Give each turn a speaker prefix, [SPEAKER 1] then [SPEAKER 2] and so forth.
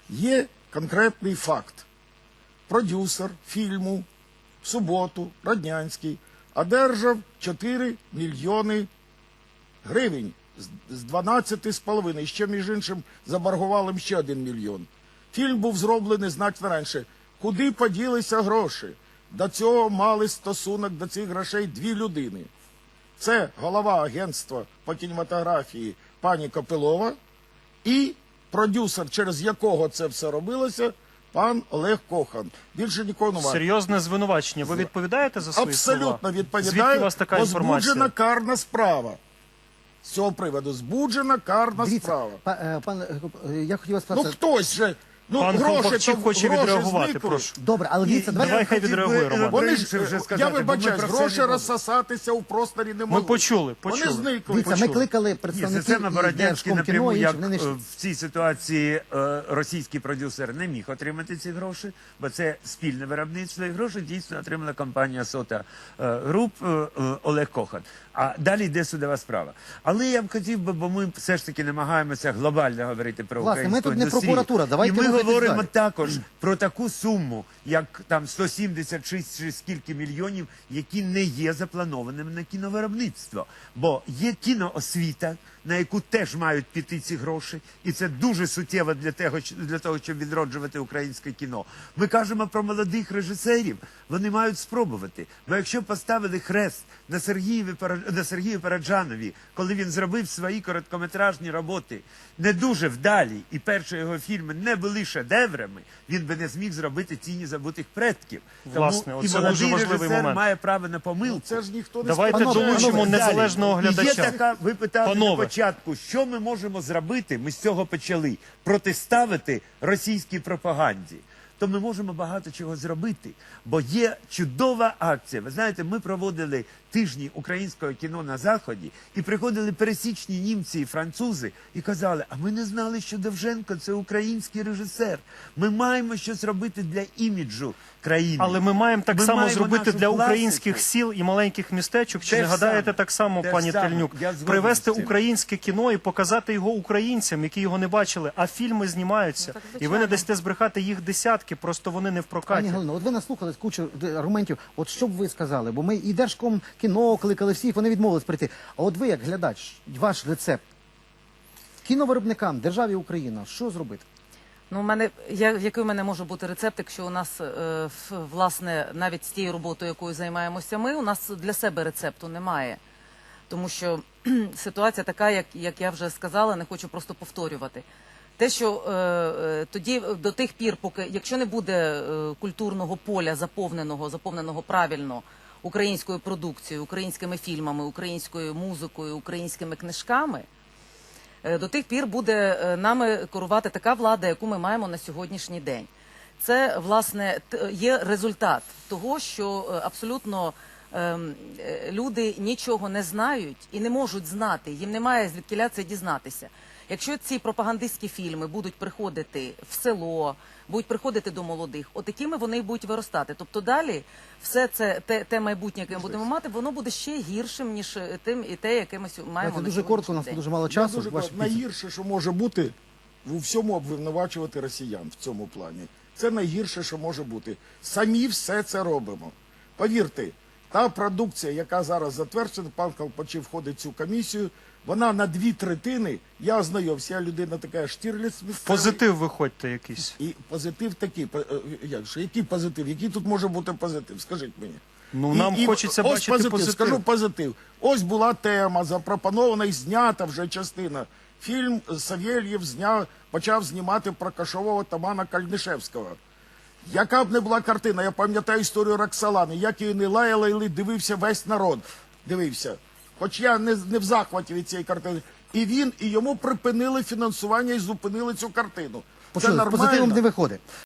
[SPEAKER 1] Є конкретний факт. Продюсер фільму в суботу, Роднянський, одержав 4 мільйони гривень з 12,5. Ще, між іншим, заборгували їм ще 1 мільйон. Фільм був зроблений значно раніше. Куди поділися гроші? До цього мали стосунок до цих грошей 2 людини. Це голова агентства по кінематографії пані Копилова і продюсер, через якого це все робилося, пан Олег Кохан. Більше нікого немає.
[SPEAKER 2] Серйозне звинувачення. Ви відповідаєте за свої слова?
[SPEAKER 1] Абсолютно відповідаю.
[SPEAKER 2] Звідки у вас така інформація?
[SPEAKER 1] Збуджена карна справа. З цього приводу. Збуджена карна справа.
[SPEAKER 3] Я хотів вас
[SPEAKER 1] Ну
[SPEAKER 3] сказати...
[SPEAKER 1] хтось же... Ну,
[SPEAKER 2] Пан Колпакчик хоче відреагувати,
[SPEAKER 1] зникли.
[SPEAKER 2] прошу.
[SPEAKER 3] Добре, але дивіться,
[SPEAKER 2] Давай хай відреагує, Роман.
[SPEAKER 1] Вони ж, я вибачаюсь, гроші розсосатися у просторі не
[SPEAKER 2] Ми
[SPEAKER 1] можуть.
[SPEAKER 2] почули.
[SPEAKER 1] Вони зникли.
[SPEAKER 3] дивіться, ми кликали представників
[SPEAKER 4] Система Бородянський напряму, як
[SPEAKER 3] вони не...
[SPEAKER 4] в цій ситуації російський продюсер не міг отримати ці гроші, бо це спільне виробництво, і гроші дійсно отримала компанія Сота Груп Олег Кохан. А далі йде судова справа. Але я б хотів би, бо ми все ж таки намагаємося глобально говорити про
[SPEAKER 3] Власне, ми
[SPEAKER 4] українську
[SPEAKER 3] тут не
[SPEAKER 4] індустрію.
[SPEAKER 3] прокуратура, давайте
[SPEAKER 4] І ми
[SPEAKER 3] рухатись
[SPEAKER 4] говоримо
[SPEAKER 3] далі.
[SPEAKER 4] також про таку суму, як там 176 чи скільки мільйонів, які не є запланованими на кіновиробництво. Бо є кіноосвіта, на яку теж мають піти ці гроші, і це дуже суттєво для того, щоб відроджувати українське кіно. Ми кажемо про молодих режисерів, вони мають спробувати. Бо якщо поставили хрест на Сергію Параджанові, коли він зробив свої короткометражні роботи, не дуже вдалі, і перші його фільми не були шедеврами, він би не зміг зробити «Тіні забутих предків».
[SPEAKER 2] Власне,
[SPEAKER 4] Тому і
[SPEAKER 2] оце
[SPEAKER 4] молодий
[SPEAKER 2] дуже важливий
[SPEAKER 4] режисер
[SPEAKER 2] момент.
[SPEAKER 4] має право на помилку.
[SPEAKER 1] Це ж ніхто не
[SPEAKER 2] Давайте
[SPEAKER 1] сказав.
[SPEAKER 2] долучимо
[SPEAKER 4] Далі.
[SPEAKER 2] незалежного
[SPEAKER 4] І є
[SPEAKER 2] глядача.
[SPEAKER 4] така, ви питали на
[SPEAKER 2] Панове.
[SPEAKER 4] початку, що ми можемо зробити, ми з цього почали, протиставити російській пропаганді. То ми можемо багато чого зробити, бо є чудова акція. Ви знаєте, ми проводили тижні українського кіно на Заході, і приходили пересічні німці і французи, і казали, а ми не знали, що Довженко – це український режисер. Ми маємо щось робити для іміджу країни.
[SPEAKER 2] Але ми маємо так само
[SPEAKER 4] маємо
[SPEAKER 2] зробити
[SPEAKER 4] нашу
[SPEAKER 2] для
[SPEAKER 4] класику.
[SPEAKER 2] українських сіл і маленьких містечок. Чи
[SPEAKER 4] Те
[SPEAKER 2] не
[SPEAKER 4] ж
[SPEAKER 2] гадаєте
[SPEAKER 4] саме.
[SPEAKER 2] так само,
[SPEAKER 4] Те ж
[SPEAKER 2] пані
[SPEAKER 4] саме.
[SPEAKER 2] Тельнюк?
[SPEAKER 4] Я згоден
[SPEAKER 2] Привезти
[SPEAKER 4] з цим.
[SPEAKER 2] українське кіно і показати його українцям, які його не бачили, а фільми знімаються. І ви не дасте збрехати їх десятки, просто вони не в
[SPEAKER 3] Пані
[SPEAKER 2] прокаті.
[SPEAKER 3] Галино, от ви наслухали кучу аргументів. От що б ви сказали? Бо ми і Держкомкіно кликали всіх, вони відмовились прийти. А от ви, як глядач, ваш рецепт кіновиробникам, державі Україна, що зробити?
[SPEAKER 5] Ну, який у мене може бути рецепт, якщо у нас, власне, навіть з тією роботою, якою займаємося ми, у нас для себе рецепту немає. Тому що ситуація така, як я вже сказала, не хочу просто повторювати. Те, що тоді, до тих пір, поки, якщо не буде культурного поля заповненого правильно українською продукцією, українськими фільмами, українською музикою, українськими книжками, до тих пір буде нами керувати така влада, яку ми маємо на сьогоднішній день. Це, власне, є результат того, що абсолютно люди нічого не знають і не можуть знати, їм немає звідкіля це дізнатися. Якщо ці пропагандистські фільми будуть приходити в село, будуть приходити до молодих, отакими вони будуть виростати. Тобто далі все це, те майбутнє, яке ми будемо мати, воно буде ще гіршим, ніж те, яке ми маємо
[SPEAKER 3] Це
[SPEAKER 5] на
[SPEAKER 3] дуже коротко, у нас
[SPEAKER 5] сьогоднішній день.
[SPEAKER 3] дуже мало
[SPEAKER 1] Я
[SPEAKER 3] часу.
[SPEAKER 1] дуже
[SPEAKER 3] Ваші
[SPEAKER 1] кажу, найгірше, що може бути, у всьому обвинувачувати росіян в цьому плані. Це найгірше, що може бути. Самі все це робимо. Повірте, та продукція, яка зараз затверджена, пан Колпачів входить в цю комісію, вона на 2/3, я ознайомився, я людина така Штірліц місцевий.
[SPEAKER 2] Позитив виходьте якийсь.
[SPEAKER 1] І позитив такий, який позитив? Який тут може бути позитив? Скажіть мені.
[SPEAKER 2] Ну, нам хочеться
[SPEAKER 1] ось
[SPEAKER 2] бачити позитив.
[SPEAKER 1] Скажу позитив. Ось була тема, запропонована і знята вже частина. Фільм Савєльєв почав знімати про кошового Тамана Кальнишевського. Яка б не була картина, я пам'ятаю історію Роксолани, як її не лаяли, дивився весь народ. Дивився. Хоч я не в захваті від цієї картини. І він, і йому припинили фінансування і зупинили цю картину. Це
[SPEAKER 3] Почули, з
[SPEAKER 1] нормально.
[SPEAKER 3] позитивом не виходить.